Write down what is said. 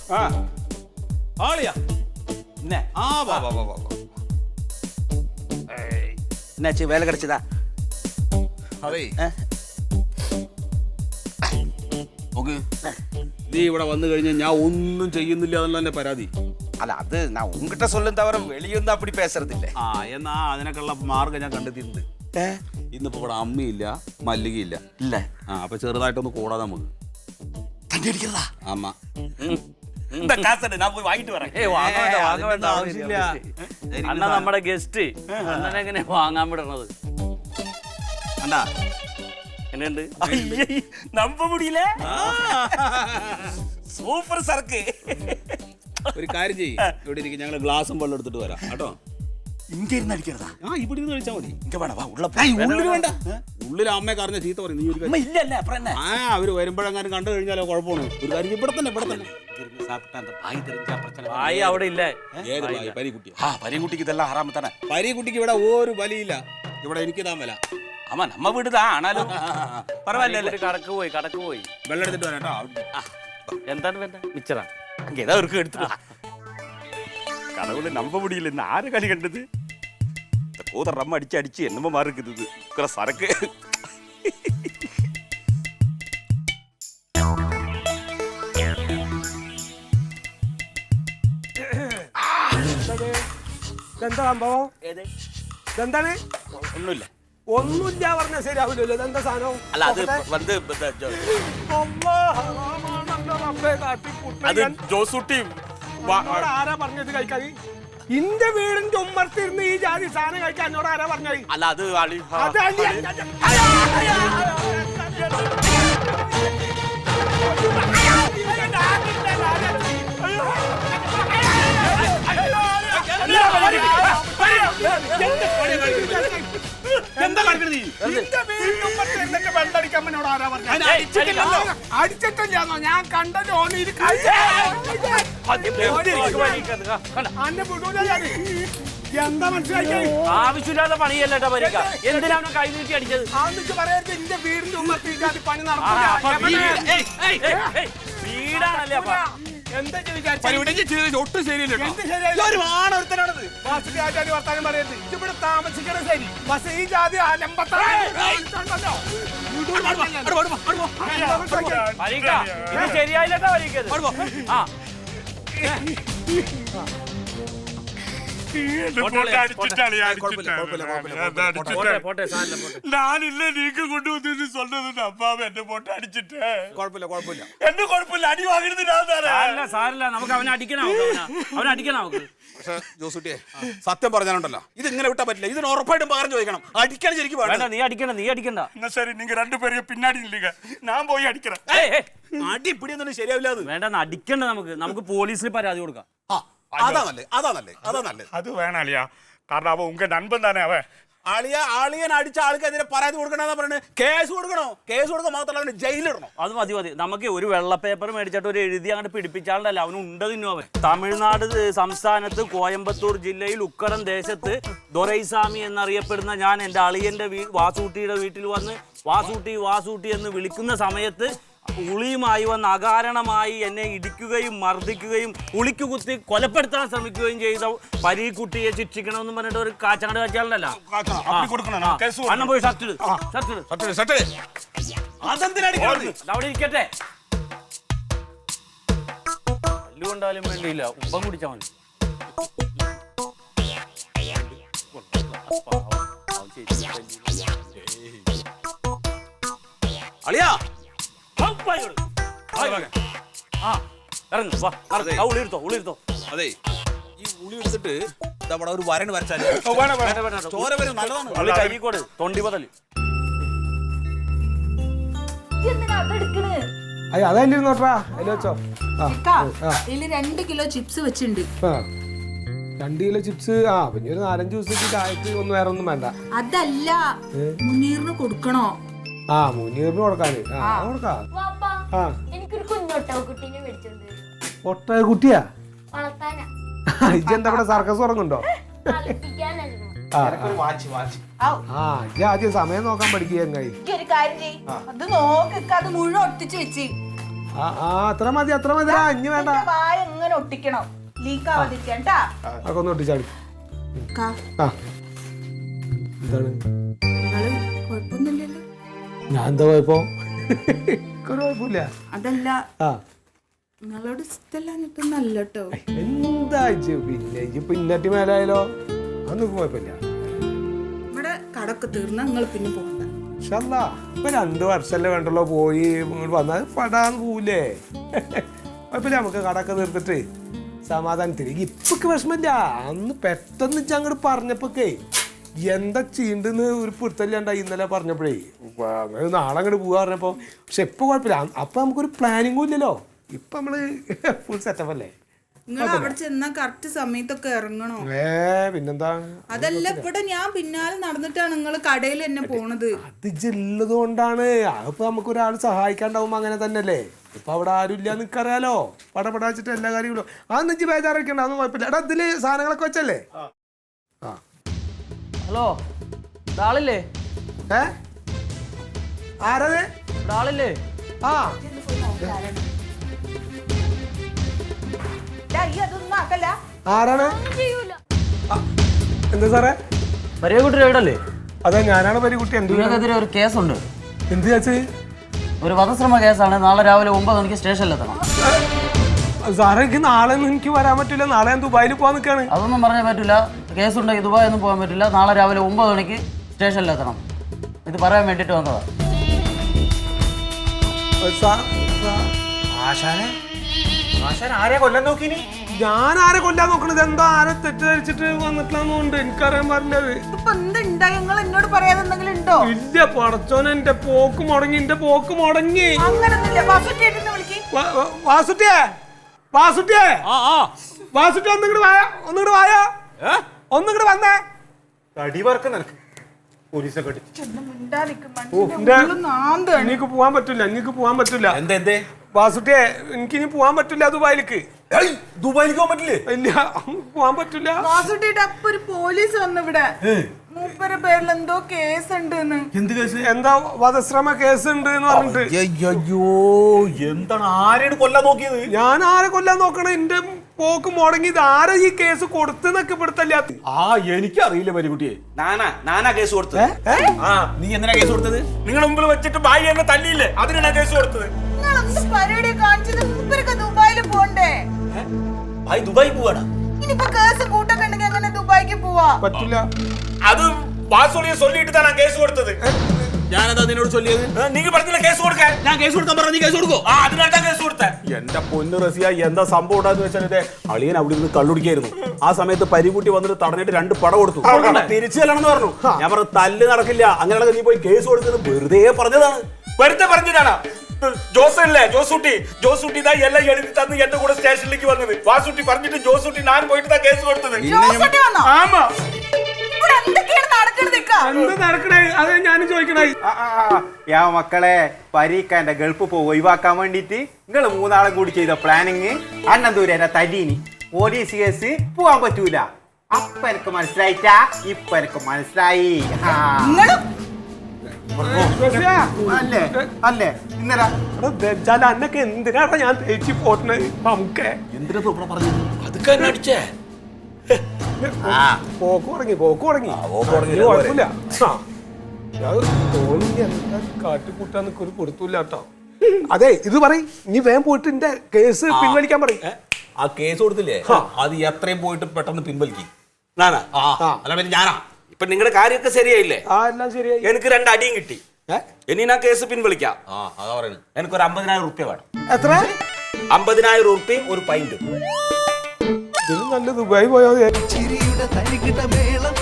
ആളിയാ എന്നാச்சு வேலை கிடைச்சதா? അതെ നീ ഇവിടെ വന്നു കഴിഞ്ഞാൽ ഞാൻ ഒന്നും ചെയ്യുന്നില്ല എന്നുള്ള എന്റെ പരാതി. അല്ല അത് ഞാൻ ഉங்கிட்ட சொல்லும் தவிர வெளிയൊന്നും அப்படி பேசுறதில்ல. എന്നാ അതിനൊക്കെയുള്ള മാർഗം ഞാൻ കണ്ടെത്തിയിട്ടുണ്ട്. ഇന്നിപ്പോ ഇവിടെ അമ്മയില്ല മല്ലികയില്ല. ഇല്ല. അപ്പൊ ചെറുതായിട്ടൊന്ന് കൂടാതെ നമുക്ക് തണ്ടി അടിக்கிறதா? അമ്മ இந்த காசை நான் போய் வாங்கிட்டு வரேன். വാങ്ങ വേണ്ട ആവശ്യമില്ല. അണ്ണ നമ്മുടെ ഗസ്റ്റ് അണ്ണനെ എങ്ങനെ വാങ്ങാൻ വിടണത്? അണ്ടാ എന്നുണ്ട് நம்ப முடியல. സൂപ്പർ സർക്ക്. ഒരു കാര്യം ചെയ്യ്, ഇവിടെ ഇരിക്കും, ഞങ്ങൾ ഗ്ലാസും വെള്ളം എടുത്തിട്ട് വരാം കേട്ടോ. ഇങ്ങ ഇരുന്ന് അടിக்கிறதா? ഇവിടെ ഇരുന്ന് കഴിച്ചാൽ മതി. ഇങ്ങ വേണം, വാ ഉള്ള ഉള്ളിൽ വേണ്ട. ഉള്ളിൽ അമ്മയെ കറിഞ്ഞ ചീത്ത പറയും. നീ ഒരു ഇല്ലല്ലേ അപ്പുറം തന്നെ. അവര് വരുമ്പോഴെങ്ങാനും കണ്ടു കഴിഞ്ഞാലോ കുഴപ്പമാണ്. ഒരു കാര്യം ഇവിടെ തന്നെ ആയി അവിടെ ഇല്ലേ? ഏത് ഭായി? പരിക്കുട്ടി. പരിക്കുട്ടിക്ക് ഇതെല്ലാം ഹറാമ തന്നെ. പരിക്കുട്ടിക്ക് ഇവിടെ ഒരു ബലിയില്ല. ഇവിടെ എനിക്ക് താൻ വില. ஆமா நம்ம வீடுதான் ஆனாலும் பரவாயில்ல. കടക്ക് പോയി വെള്ളം എടുത്തിട്ട് വരാം കേട്ടോ. എന്താണ് വേണ്ട? മിച്ചറാ இங்க ஏதாவது இருக்கு எடுத்துட்டு. கடவுளை நம்ப முடியல. இந்த ஆறு களி கண்டது இந்த கூதர் ரம்ம அடிச்சு என்னமோ மாதிரி இருக்குது. இது சரக்கு. എന്താ സംഭവം? എന്താണ്? ഒന്നുമില്ല. ഒന്നുമില്ല പറഞ്ഞാൽ ശരിയാവില്ലല്ലോ. ഇതെന്താ സാധനം? അല്ല അത് വന്ന് അത് ജോസൂട്ടി ആരാ പറഞ്ഞത് കഴിക്കാൻ? ഇന്റെ വീടിന്റെ ഉമ്മർത്തിരുന്ന് ഈ ജാതി സാധനം കഴിക്കാൻ എന്നോട് ആരാ പറഞ്ഞത്? അല്ല അത് അടിച്ചിട്ടില്ലാന്നോ? ഞാൻ കണ്ടല്ലോ. എന്താ മനസ്സിലാക്കി? ആവശ്യമില്ലാത്ത പണിയല്ലേട്ടാ പരിക്ക. എന്തിനാണ് കൈ നീട്ടി അടിച്ചത്? ആന്നിട്ട് പറയരുത്. എന്റെ വീടിന്റെ ഉമ്മർത്തിട്ട് പണി നടക്കും. വീടാണല്ലേ അപ്പൊ? എന്താ ഒട്ടും ശരിയല്ലോ. വർത്താനം പറയരുത്. ഇവിടെ താമസിക്കണം ശരി. പക്ഷെ ഈ ജാതി ശരിയായില്ലട്ടാ പരിക്കത്. ഞാനില്ല നീക്ക് കൊണ്ടുവന്നു സ്വന്തം അപ്പാവ എന്റെ പൊട്ട അടിച്ചിട്ട് കുഴപ്പമില്ല എന്നെ കുഴപ്പമില്ല. അടി വാങ്ങരുത്. സാരില്ല, നമുക്ക് അവനെ അടിക്കണം. പക്ഷെ ജോസൂട്ടിയെ സത്യം പറഞ്ഞാലുണ്ടല്ലോ, ഇത് ഇങ്ങനെ വിട്ടാ പറ്റില്ല. ഇതിന് ഉറപ്പായിട്ടും പകരം ചോദിക്കണം. അടിക്കാൻ ശരിക്കും വേണ്ട. നീ അടിക്കണ്ട. എന്നാ ശരി, നിങ്ങൾ രണ്ടുപേരും പിന്നാടി നിൽക്കുക. ഞാൻ പോയി അടിക്കണം. അടി പിടിയൊന്നും ശരിയാവില്ല. അത് വേണ്ട, അടിക്കണ്ട. നമുക്ക് പോലീസിൽ പരാതി കൊടുക്കാം. അതാ നല്ലത്. അത് വേണം അളിയാ. കാരണം അവ ഉങ്ക നൻപൻ തന്നെ അവ. ആളിയൻ അടിച്ച ആൾക്കെതിരെ പരാതി കൊടുക്കണമെന്നാ പറയുന്നത്. കേസ് കൊടുക്കാൻ മാത്രമല്ല ജയിലിടണം. അത് മതി. നമുക്ക് ഒരു വെള്ള പേപ്പർ മേടിച്ചിട്ട് ഒരു എഴുതി അങ്ങോട്ട് പിടിപ്പിച്ചാണ്ടല്ല അവന് ഉണ്ട് തിന്നു. അവൻ തമിഴ്നാട് സംസ്ഥാനത്ത് കോയമ്പത്തൂർ ജില്ലയിൽ ഉക്കടം ദേശത്ത് ദൊരൈസ്വാമി എന്നറിയപ്പെടുന്ന ഞാൻ എൻ്റെ അളിയൻ്റെ വാസൂട്ടിയുടെ വീട്ടിൽ വന്ന് വാസൂട്ടി എന്ന് വിളിക്കുന്ന സമയത്ത് ഉളിയുമായി വന്ന് അകാരണമായി എന്നെ ഇടിക്കുകയും മർദ്ദിക്കുകയും ഉളിക്ക് കുത്തി കൊലപ്പെടുത്താൻ ശ്രമിക്കുകയും ചെയ്ത പരീക്കുട്ടിയെ ശിക്ഷിക്കണമെന്ന് പറഞ്ഞിട്ട് ഒരു കാച്ചാണ്ട് കാച്ചാളുണ്ടല്ലോ. അണ്ണൻ പോയി ഷർട്ട് അവിടെ ഇരിക്കട്ടെ. കൊണ്ടാലും വേണ്ടിയില്ല, ഉപ്പം കുടിച്ചാൽ മതി. അളിയാ ഉളിരുത്തോ. അതെ, ഈ ഉളി എടുത്തിട്ട് അവിടെ ഒരു വരണ് വരച്ചാൽ ചോര വരും. നല്ലതാണ്. കൈക്കോട് തൊണ്ടി ബദല്. അതല്ലേ നോട്ടാ വെച്ചോ. 2 കിലോ ചിപ്സ് വെച്ചിട്ടുണ്ട്. 2 കിലോ ചിപ്സ്. പിന്നെ ഒരു 4-5 ദിവസത്തേക്ക് ചായക്ക് ഒന്നും വേറെ ഒന്നും വേണ്ട. അതല്ല, മുനീറിന് കൊടുക്കണോ? മുനീറിന് കൊടുക്കാന് കൊടുക്കാം. ഒട്ടകുട്ടിയാ? ഇജെന്താ ഇവിടെ സർക്കസ് ഉറങ്ങുണ്ടോ? ആദ്യം സമയം നോക്കാൻ പഠിക്കുക. അത് നോക്ക്, അത് മുഴുവൻ ഒട്ടിച്ച് വെച്ച് അത്ര മതി ഇനി വേണ്ട. വായ എങ്ങനെ ഒട്ടിക്കണം, ലീക്ക് ആവാതിരിക്കാൻ ട്ടാ. അതൊക്കെ ഒന്ന് ഒട്ടിച്ചാടി. കാ, ആ എന്താണ് നിങ്ങള് കുഴപ്പമൊന്നുമില്ലല്ലോ? ഞാൻ എന്താ കുഴപ്പോ? കുഴപ്പമില്ല. അതല്ല, ആ നിങ്ങളോട് ഇഷ്ടമല്ലാഞ്ഞിട്ടൊന്നല്ല കേട്ടോ. എന്താ പിന്നെ പിന്നറ്റി മേലായാലോ അതൊന്നും കുഴപ്പമില്ല. ഇവിടെ കടക്ക് തീർന്ന നിങ്ങൾ പിന്നെ പോകണ്ട. ഇപ്പൊ 2 വർഷമല്ലേ വേണ്ടല്ലോ പോയി ഇങ്ങോട്ട് വന്നാൽ പടാന്ന് പോവില്ലേ? കുഴപ്പമില്ല, നമുക്ക് കടക്കെ തീർത്തിട്ട് സമാധാനത്തിൽ. ഇപ്പൊക്കെ വിഷമില്ല. അന്ന് പെട്ടെന്ന് അങ്ങോട്ട് പറഞ്ഞപ്പോഴേ എന്താ ചെയ്യണ്ടെന്ന് ഒരു പിടുത്തല്ലാണ്ടായി ഇന്നലെ പറഞ്ഞപ്പോഴേ. അങ്ങനെ നാളെ അങ്ങോട്ട് പോവാ പറഞ്ഞപ്പോ. പക്ഷെ ഇപ്പൊ കുഴപ്പമില്ല. അപ്പൊ നമുക്കൊരു പ്ലാനിങ്ങും ഇല്ലല്ലോ. ഇപ്പൊ നമ്മള് ഫുൾ സെറ്റപ്പ് അല്ലേ? നിങ്ങൾ അവിടെ ചെന്നാ കറക്റ്റ് സമയത്തൊക്കെ ഇറങ്ങണോ? പിന്നെന്താ? അതല്ല, ഇവിടെ ഞാൻ പിന്നാലെ നടന്നിട്ടാണ് നിങ്ങൾ കടയിൽ എന്നെ പോണത്. അത് ജില്ലത് കൊണ്ടാണ്. അതിപ്പോ നമുക്ക് ഒരാൾ സഹായിക്കാണ്ടാവുമ്പോ അങ്ങനെ തന്നെയല്ലേ. ഇപ്പൊ അവിടെ ആരും ഇല്ല നിക്കറിയാലോ. പടപടാച്ചിട്ട് എല്ലാ കാര്യങ്ങളും അതൊന്നും ഇജ്ജ് ബേജാറൊക്കെയുണ്ട്. അതൊന്നും കുഴപ്പമില്ല. എടാ ഇതില് സാധനങ്ങളൊക്കെ വെച്ചല്ലേ? ആ ഹലോ, ആളില്ലേ? ആരത്? ആളില്ലേ? ആ അതൊന്നും ആക്കല്ല. ആരാണ്? എന്താ സാറേ? പരിയക്കുട്ടി റൈഡല്ലേ? അതെ, ഞാനാണ് പരികുട്ടി. നിങ്ങൾക്കെതിരെ ഒരു കേസുണ്ട്. എന്ത് ചേച്ചി? ഒരു വധശ്രമ കേസാണ്. നാളെ രാവിലെ 9 മണിക്ക് സ്റ്റേഷനിലെത്തണം. സാറേ, എനിക്ക് നാളെ ഒന്നും എനിക്ക് വരാൻ പറ്റില്ല. നാളെ ഞാൻ ദുബായിൽ പോകാൻ നിൽക്കാണ്. അതൊന്നും പറയാൻ പറ്റില്ല. കേസുണ്ടെങ്കിൽ ദുബായ് ഒന്നും പോകാൻ പറ്റില്ല. നാളെ രാവിലെ 9 മണിക്ക് സ്റ്റേഷനിലെത്തണം. ഇത് പറയാൻ വേണ്ടിയിട്ട് വന്നതാ. ഞാൻ ആരെ കൊല്ലാൻ നോക്കണത്? എന്താ ആരെ തെറ്റിദ്ധരിച്ചിട്ട് വന്നിട്ടില്ലാന്നുണ്ട് എനിക്കറിയാൻ പറഞ്ഞത്. ഇപ്പൊ എന്തുണ്ടാ? നിങ്ങൾ എന്നോട് പറയാതെ എന്തെങ്കിലും ഉണ്ടോ? ഇല്ല പടച്ചോനെ, എന്റെ പോക്ക് മുടങ്ങി. അങ്ങനൊന്നുമില്ല. വാസുട്ടിയേട്ടനെ വിളിക്ക്. വാസുട്ടിയെ ഒന്നിങ്ങോട്ട് വായോ. ഒന്നിങ്ങോട്ട് വന്നേ. എനിക്ക് പോവാൻ പറ്റില്ല. വാസുട്ടിയെ, എനിക്കിനി പോവാൻ പറ്റില്ല ദുബായിലേക്ക്. ദുബായിലേക്ക് പോകാൻ പറ്റില്ലേ? ഇല്ല, പോവാൻ പറ്റില്ല. വാസുട്ടിയുടെ അപ്പൊ ഒരു പോലീസ് വന്നു ഇവിടെ. മൂപ്പരുടെ പേരിൽ എന്തോ കേസ് ഉണ്ട്. എന്ത് കേസ്? എന്താ വധശ്രമ കേസ് ഉണ്ട് എന്ന് പറഞ്ഞിട്ട്. അയ്യോ, എന്താണ്? ആരെയാണ് കൊല്ലാൻ നോക്കിയത്? ഞാൻ ആരെ കൊല്ലാൻ നോക്കണേ? എന്റെ പോക്ക് മുടങ്ങിയത് ആരെ ഈ കേസ് കൊടുത്തെന്നൊക്കെ പെടുത്തല്ല. എനിക്കറിയില്ല പരികുട്ടിയെ. നാനാ കേസ് കൊടുത്തത്. നീ എന്തിനാ കേസ് കൊടുത്തത്? നിങ്ങൾ മുമ്പിൽ വെച്ചിട്ട് ഭാര്യ എന്നെ തല്ലിയില്ലേ, അതിനാണ് കേസ് കൊടുത്തത്. നിങ്ങളെന്ത് പരിപാടി കാണിച്ചത്? മൂപ്പരൊക്കെ ദുബായിൽ പോണ്ടേ? ഭായി ദുബായി പോവാണ്. ഇനിയിപ്പോ കേസ് കൂട്ടൊക്കെ ഉണ്ടെങ്കിൽ എങ്ങനെ ദുബായിക്ക് പോവാ? പറ്റില്ല. അത് വാസുളിയെ ചൊല്ലിയിട്ട് തന്നെ കേസ് കൊടുത്തത്. ഞാനതാ നിന്നോട് ചൊല്ലിയത്. നീ പറഞ്ഞില്ല കേസ് കൊടുക്കാൻ. ഞാൻ കേസ് കൊടുക്കാൻ പറഞ്ഞു. നീ കേസ് കൊടുക്കോ? അതിനായിട്ടാ കേസ് കൊടുത്തേ. എന്റെ പൊന്നു റസിയ, എന്താ സംഭവം ഉണ്ടാന്ന് വെച്ചാൽ അളിയൻ അവിടെ നിന്ന് കള്ളുടിക്കായിരുന്നു. ആ സമയത്ത് പരികുട്ടി വന്നിട്ട് തടഞ്ഞിട്ട് 2 പട കൊടുത്തു. തിരിച്ചു ചെല്ലണമെന്ന് പറഞ്ഞു. ഞാൻ പറഞ്ഞു തല്ല് നടക്കില്ല, അങ്ങനെയാണെങ്കിൽ നീ പോയി കേസ് കൊടുത്തത് വെറുതെ പറഞ്ഞതാണ്. വെറുതെ പറഞ്ഞതാണ്. ജോസല്ലേ, ജോസൂട്ടി ഇതാ എല്ലാം എഴുതി തന്ന് എന്റെ കൂടെ സ്റ്റേഷനിലേക്ക് വന്നത്. വാസൂട്ടി പറഞ്ഞിട്ട് ജോസൂട്ടി ഞാൻ പോയിട്ട് കേസ് കൊടുത്തത്. ആമാ, എന്ത് നടക്കണേ? അത് ഞാനും ചോദിക്കണേ. മക്കളെ, പരീക്കാന്റെ ഗൾഫ് ഒഴിവാക്കാൻ വേണ്ടിട്ട് നിങ്ങൾ 3 ആളും കൂടി ചെയ്ത പ്ലാനിങ് അണ്ണന്തൂര തരീനി. പോലീസ് കേസ് പോവാൻ പറ്റൂല. അപ്പൊ എനിക്ക് മനസ്സിലായിട്ടാ? ഇപ്പൊ എനിക്ക് മനസ്സിലായി. അല്ലേ അല്ലേ? ഇന്നലെ അന്നൊക്കെ എന്തിനാണ് ഞാൻ തേച്ചി പോട്ടണേ? നമുക്ക് എന്തിനാ പറഞ്ഞത്? അതൊക്കെ എന്നെ അടിച്ചേ. പോക്ക് തുടങ്ങി. കുഴപ്പമില്ല. കാട്ടിക്കൂട്ടാൻ ഒരു കൊടുത്തൂല്ല കേട്ടോ. അതെ, ഇത് പറയും. ഇനി വേഗം പോയിട്ട് എന്റെ കേസ് പിൻവലിക്കാൻ പറയും. ആ കേസ് കൊടുത്തില്ലേ, അത് എത്രയും പോയിട്ട് പെട്ടെന്ന് പിൻവലിക്കും. അല്ല പിന്നെ ഞാനാ. ഇപ്പൊ നിങ്ങളുടെ കാര്യമൊക്കെ ശരിയായില്ലേ? എല്ലാം ശരിയായി. എനിക്ക് 2 അടിയും കിട്ടി. ഇനി ഞാൻ കേസ് പിൻവലിക്കാം. അതാ പറയുന്നത്. എനിക്കൊരു 50,000 റുപ്യ വേണം. എത്ര? 50,000 റുപ്യയും ഒരു പൈൻറ്റും. ഇതിന് നല്ല ദുബായി പോയാൽ ചിരിയുടെ തരികിട മേളം